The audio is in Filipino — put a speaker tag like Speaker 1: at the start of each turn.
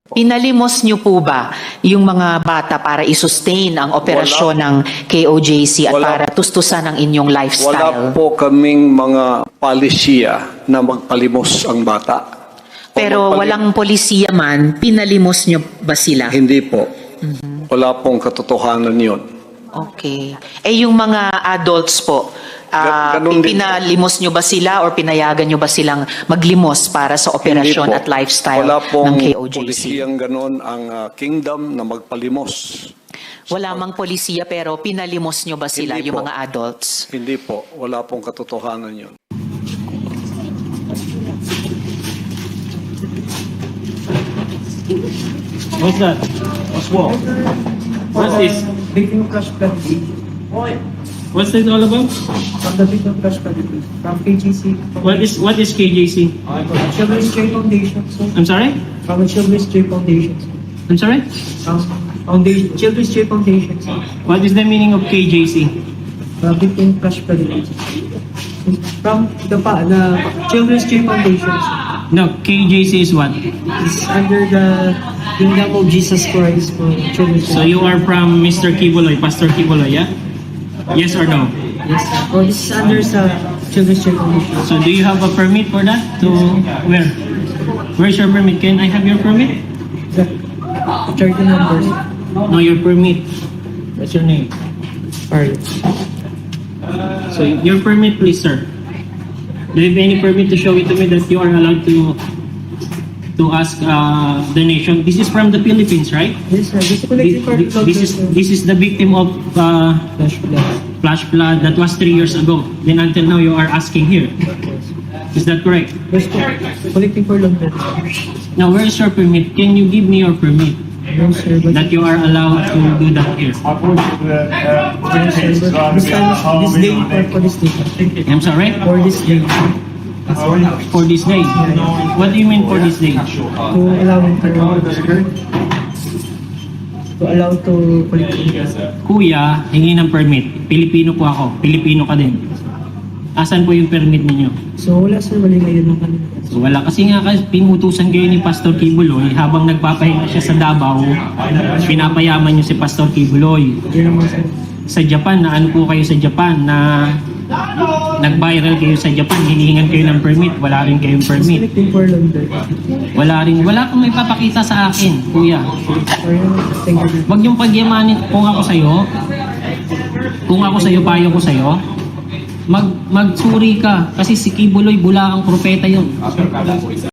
Speaker 1: Pinalimos niyo po ba yung mga bata para i-sustain ang operasyon ng KOJC at
Speaker 2: Wala.
Speaker 1: para tustusan ang inyong
Speaker 2: Wala
Speaker 1: lifestyle?
Speaker 2: po kaming mga palisiya na magpalimos ang bata. O
Speaker 1: Pero walang polisiya man, pinalimos niyo ba sila?
Speaker 2: Hindi po. Wala pong katotohanan yun.
Speaker 1: Okay. Eh yung mga adults po,
Speaker 2: Ganun din po.
Speaker 1: pinalimos nyo ba sila or pinayagan nyo ba silang maglimos para sa operasyon
Speaker 2: Hindi po.
Speaker 1: at lifestyle
Speaker 2: Wala pong
Speaker 1: ng KOJC?
Speaker 2: polisiyang ganon ang kingdom na magpalimos.
Speaker 1: Wala mang polisiya pero pinalimos nyo ba sila,
Speaker 2: Hindi
Speaker 1: yung
Speaker 2: po.
Speaker 1: mga adults?
Speaker 2: Hindi po. Wala pong katotohanan yun.
Speaker 3: What's that? What's what? What's this?
Speaker 4: Victim Crush Strategy.
Speaker 3: What's that all about?
Speaker 4: From the Victim Crush Strategy. From KGC.
Speaker 3: What is KJC?
Speaker 4: Children's J Foundation. So,
Speaker 3: I'm sorry?
Speaker 4: from the Children's J Foundation.
Speaker 3: I'm sorry?
Speaker 4: Foundation. Children's J Foundation.
Speaker 3: What is the meaning of KJC?
Speaker 4: From Victim Crush Strategy. From the Children's J Foundation.
Speaker 3: No, KJC is what?
Speaker 4: It's under the Kingdom of Jesus Christ for Children's J
Speaker 3: So you are from Mr. Kibuloy, Pastor Kibuloy, yeah? Yes or no?
Speaker 4: Yes, sir. Oh, this is under sa Children's J Foundation.
Speaker 3: So do you have a permit for that? To where? Where's your permit? Can I have your permit?
Speaker 4: The charity numbers.
Speaker 3: No, your permit. What's your name?
Speaker 4: Alright.
Speaker 3: So your permit, please, sir. Do you have any permit to show it to me that you are allowed to ask donation? This is from the Philippines, right?
Speaker 4: Yes, sir. This is collecting for
Speaker 3: This is the victim of
Speaker 4: Flash Blood.
Speaker 3: flash flood that was 3 years ago. Then until now, you are asking here. Is that correct?
Speaker 4: Yes, sir. Collecting for long term.
Speaker 3: Now, where is your permit? Can you give me your permit
Speaker 4: No, sir. But
Speaker 3: that you are allowed to do that here?
Speaker 4: yes, sir. But this time, this day, for this day.
Speaker 3: I'm sorry?
Speaker 4: For this day.
Speaker 3: For this day. What do you mean for this day?
Speaker 4: To allow him to allow to collect.
Speaker 3: Kuya, hingi ng permit. Pilipino po ako. Pilipino ka din. Asan po yung permit ninyo?
Speaker 4: So, wala, sir. Mali ngayon ng kanila.
Speaker 3: So, wala kasi nga kasi pinutusan kayo ni Pastor Kibuloy habang nagpapahinga siya sa Davao, pinapayaman niyo si Pastor Kibuloy.
Speaker 4: Yun naman, sir.
Speaker 3: Sa Japan, na ano po kayo sa Japan na nag-viral kayo sa Japan, hinihingan kayo ng permit, wala rin kayong
Speaker 4: Just
Speaker 3: permit.
Speaker 4: collecting for long term.
Speaker 3: Wala kang may papakita sa akin, kuya.
Speaker 4: Or yun, thank you.
Speaker 3: Wag yung pagyamanin, kung ako sa'yo, payo ko sa'yo, magsuri ka, kasi si Kibuloy, bula ang propeta yun.